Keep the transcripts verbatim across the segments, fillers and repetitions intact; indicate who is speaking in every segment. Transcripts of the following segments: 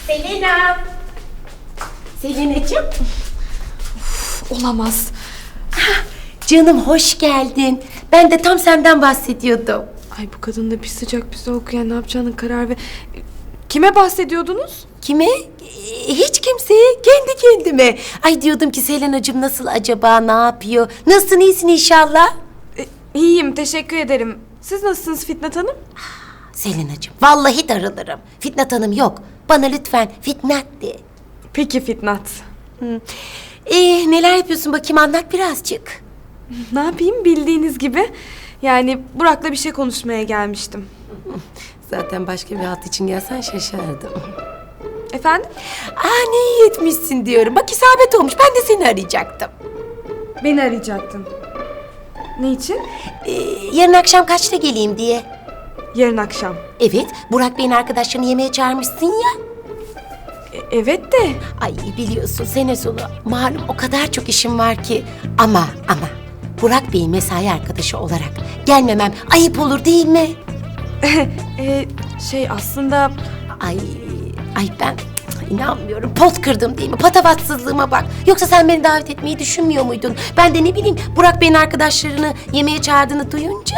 Speaker 1: Selena. Selena'cığım.
Speaker 2: Olamaz.
Speaker 1: Canım hoş geldin. Ben de tam senden bahsediyordum.
Speaker 2: Ay bu kadın da bir sıcak bir soğuk, yani ne yapacağını karar ver. Kime bahsediyordunuz?
Speaker 1: Kime? Ee, Hiç kimseye, kendi kendime. Ay diyordum ki Selena'cığım nasıl acaba, ne yapıyor? Nasılsın, iyisin inşallah?
Speaker 2: E, iyiyim, teşekkür ederim. Siz nasılsınız Fitnat Hanım?
Speaker 1: Selena'cığım vallahi darılırım. Fitnat Hanım yok. Bana lütfen Fitnat de.
Speaker 2: Peki Fitnat.
Speaker 1: Ee, neler yapıyorsun bakayım, anlat birazcık.
Speaker 2: Ne yapayım, bildiğiniz gibi. Yani Burak'la bir şey konuşmaya gelmiştim.
Speaker 1: Zaten başka bir hat için gelsen şaşardım.
Speaker 2: Efendim?
Speaker 1: Aa ne iyi etmişsin diyorum. Bak isabet olmuş. Ben de seni arayacaktım.
Speaker 2: Beni arayacaktın. Ne için?
Speaker 1: Ee, yarın akşam kaçta geleyim diye.
Speaker 2: Yarın akşam.
Speaker 1: Evet, Burak Bey'in arkadaşlarını yemeğe çağırmışsın ya.
Speaker 2: E, evet de.
Speaker 1: Ay biliyorsun sene sonu malum o kadar çok işim var ki. Ama ama Burak Bey'in mesai arkadaşı olarak gelmemem ayıp olur değil mi?
Speaker 2: e, şey aslında...
Speaker 1: Ay ay ben inanmıyorum. Pot kırdım değil mi? Patavatsızlığıma bak. Yoksa sen beni davet etmeyi düşünmüyor muydun? Ben de ne bileyim Burak Bey'in arkadaşlarını yemeğe çağırdığını duyunca.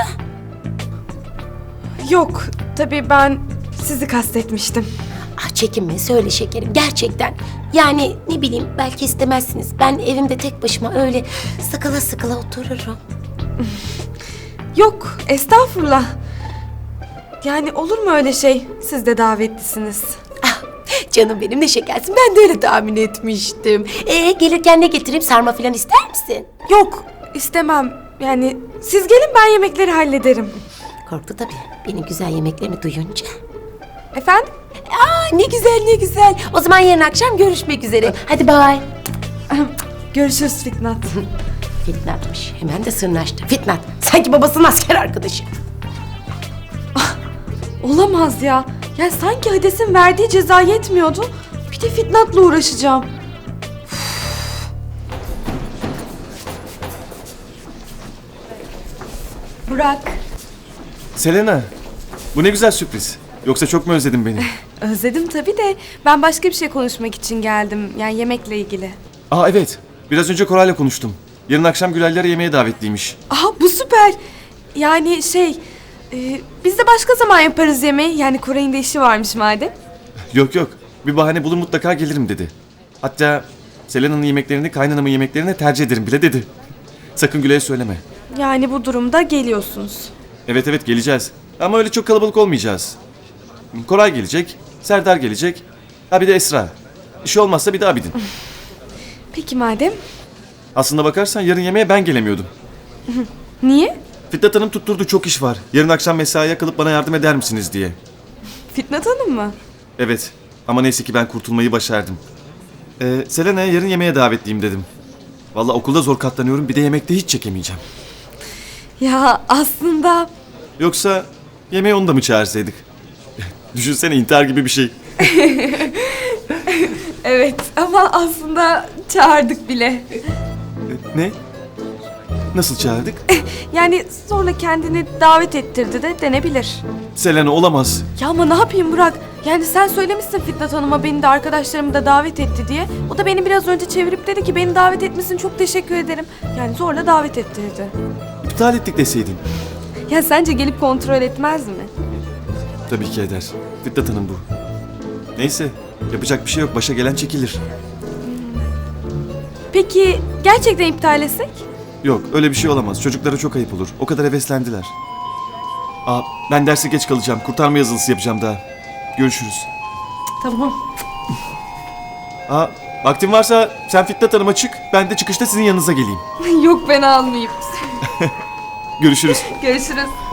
Speaker 2: Yok, tabii ben sizi kastetmiştim.
Speaker 1: Ah çekinme söyle şekerim gerçekten. Yani ne bileyim belki istemezsiniz. Ben evimde tek başıma öyle sıkıla sıkıla otururum.
Speaker 2: Yok, estağfurullah. Yani olur mu öyle şey? Siz de davetlisiniz.
Speaker 1: Ah canım benim ne şekersin, ben de öyle tahmin etmiştim. Ee gelirken ne getireyim, sarma falan ister misin?
Speaker 2: Yok, istemem. Yani siz gelin, ben yemekleri hallederim.
Speaker 1: Korktu tabii benim güzel yemeklerimi duyunca.
Speaker 2: Efendim?
Speaker 1: Aa ne güzel ne güzel. O zaman yarın akşam görüşmek üzere. Hadi bye.
Speaker 2: Görüşürüz Fitnat.
Speaker 1: Fitnat'mış. Hemen de sırnaştı. Fitnat. Sanki babasının asker arkadaşı.
Speaker 2: Olamaz ya. Ya sanki Hades'in verdiği ceza yetmiyordu. Bir de Fitnat'la uğraşacağım. Burak.
Speaker 3: Selena, bu ne güzel sürpriz. Yoksa çok mu özledin beni?
Speaker 2: Özledim tabii de ben başka bir şey konuşmak için geldim. Yani yemekle ilgili.
Speaker 3: Aa evet, biraz önce Koray'la konuştum. Yarın akşam Gülal'lere yemeğe davetliymiş.
Speaker 2: Aha bu süper. Yani şey, e, biz de başka zaman yaparız yemeği. Yani Koray'ın da işi varmış madem.
Speaker 3: Yok yok, bir bahane bulur mutlaka gelirim dedi. Hatta Selena'nın yemeklerini kaynanamın yemeklerine tercih ederim bile dedi. Sakın Gülay'a söyleme.
Speaker 2: Yani bu durumda geliyorsunuz.
Speaker 3: Evet evet geleceğiz. Ama öyle çok kalabalık olmayacağız. Koray gelecek, Serdar gelecek. Ha bir de Esra. İşi olmazsa bir de Abidin.
Speaker 2: Peki madem.
Speaker 3: Aslında bakarsan yarın yemeğe ben gelemiyordum.
Speaker 2: Niye?
Speaker 3: Fitnat Hanım tutturdu, çok iş var. Yarın akşam mesaiye kalıp bana yardım eder misiniz diye.
Speaker 2: Fitnat Hanım mı?
Speaker 3: Evet ama neyse ki ben kurtulmayı başardım. Ee, Selena'ya yarın yemeğe davetliyim dedim. Vallahi okulda zor katlanıyorum, bir de yemekte hiç çekemeyeceğim.
Speaker 2: Ya aslında...
Speaker 3: Yoksa yemeğe onu da mı çağırsaydık? Düşünsene, intihar gibi bir şey.
Speaker 2: Evet ama aslında çağırdık bile.
Speaker 3: Ne? Nasıl çağırdık?
Speaker 2: Yani zorla kendini davet ettirdi de denebilir.
Speaker 3: Selena olamaz.
Speaker 2: Ya ama ne yapayım Burak? Yani sen söylemişsin Fitnat Hanım'a beni de arkadaşlarımı da davet etti diye. O da beni biraz önce çevirip dedi ki beni davet etmesin, çok teşekkür ederim. Yani zorla davet ettirdi.
Speaker 3: İptal ettik deseydin.
Speaker 2: Ya sence gelip kontrol etmez mi?
Speaker 3: Tabii ki eder. Fitnat Hanım bu. Neyse, yapacak bir şey yok. Başa gelen çekilir.
Speaker 2: Peki gerçekten iptal etsek?
Speaker 3: Yok, öyle bir şey olamaz. Çocuklara çok ayıp olur. O kadar heveslendiler. Aa, ben derse geç kalacağım. Kurtarma yazılısı yapacağım daha. Görüşürüz.
Speaker 2: Tamam.
Speaker 3: Aa, vaktin varsa sen Fitnat Hanım'a çık. Ben de çıkışta sizin yanınıza geleyim.
Speaker 2: Yok ben almayayım.
Speaker 3: Görüşürüz.
Speaker 2: Görüşürüz.